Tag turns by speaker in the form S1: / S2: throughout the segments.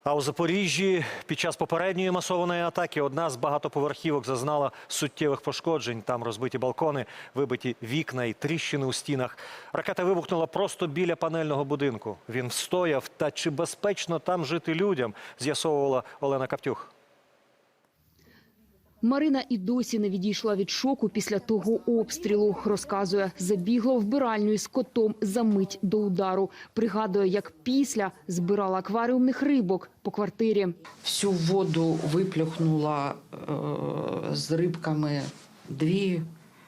S1: А у Запоріжжі під час попередньої масованої атаки одна з багатоповерхівок зазнала суттєвих пошкоджень. Там розбиті балкони, вибиті вікна і тріщини у стінах. Ракета вибухнула просто біля панельного будинку. Він встояв. Та чи безпечно там жити людям, з'ясовувала Олена Каптюх.
S2: Марина і досі не відійшла від шоку після того обстрілу. Розказує, забігла в вбиральню із котом за мить до удару. Пригадує, як після збирала акваріумних рибок по квартирі.
S3: Всю воду виплюхнула з рибками, дві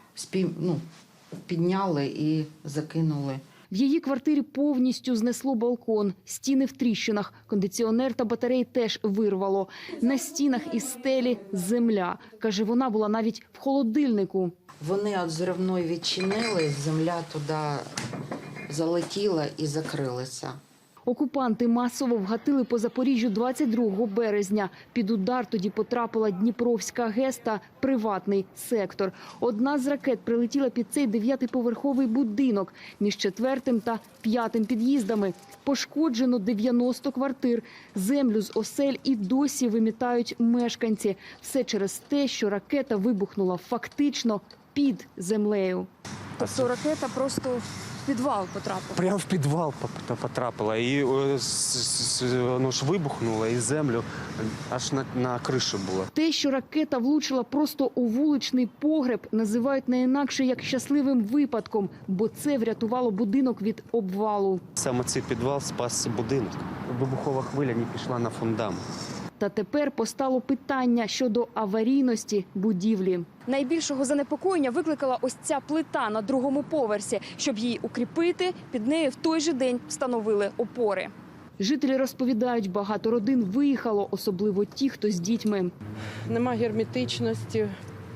S3: підняли і закинули.
S2: В її квартирі повністю знесло балкон, стіни в тріщинах, кондиціонер та батареї теж вирвало. На стінах і стелі земля. Каже, вона була навіть в холодильнику.
S3: Вони від зривної відчинили, земля туди залетіла і закрилася.
S2: Окупанти масово вгатили по Запоріжжю 22 березня. Під удар тоді потрапила Дніпровська ГЕС та приватний сектор. Одна з ракет прилетіла під цей 9-поверховий будинок між 4-м та 5-м під'їздами. Пошкоджено 90 квартир. Землю з осель і досі вимітають мешканці. Все через те, що ракета вибухнула фактично під землею.
S4: Тобто ракета просто в підвал потрапила?
S5: Прямо в підвал потрапила. І воно ж вибухнуло, і землю аж на криші було.
S2: Те, що ракета влучила просто у вуличний погреб, називають не інакше як щасливим випадком, бо це врятувало будинок від обвалу.
S5: Саме цей підвал спас будинок. Вибухова хвиля не пішла на фундамент.
S2: Та тепер постало питання щодо аварійності будівлі.
S4: Найбільшого занепокоєння викликала ось ця плита на 2-му поверсі. Щоб її укріпити, під нею в той же день встановили опори.
S2: Жителі розповідають, багато родин виїхало, особливо ті, хто з дітьми.
S6: Нема герметичності,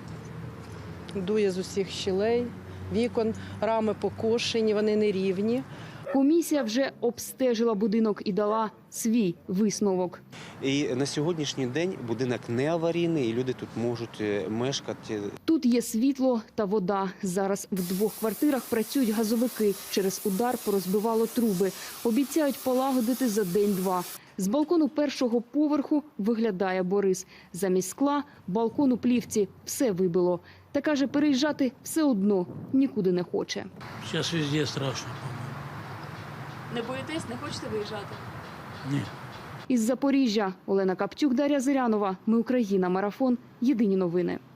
S6: дує з усіх щілей, вікон, рами покошені, вони нерівні.
S2: Комісія вже обстежила будинок і дала свій висновок.
S5: І на сьогоднішній день будинок не аварійний, і люди тут можуть мешкати.
S2: Тут є світло та вода. Зараз в 2 квартирах працюють газовики. Через удар порозбивало труби. Обіцяють полагодити за день-два. З балкону 1-го поверху виглядає Борис. Замість скла балкон у плівці все вибило. Та каже, переїжджати все одно нікуди не хоче.
S7: Зараз везде страшно.
S4: Не боїтесь, не хочете виїжджати?
S7: Ні.
S2: Із Запоріжжя Олена Каптюх, Дар'я Зирянова. Ми Україна. Марафон. Єдині новини.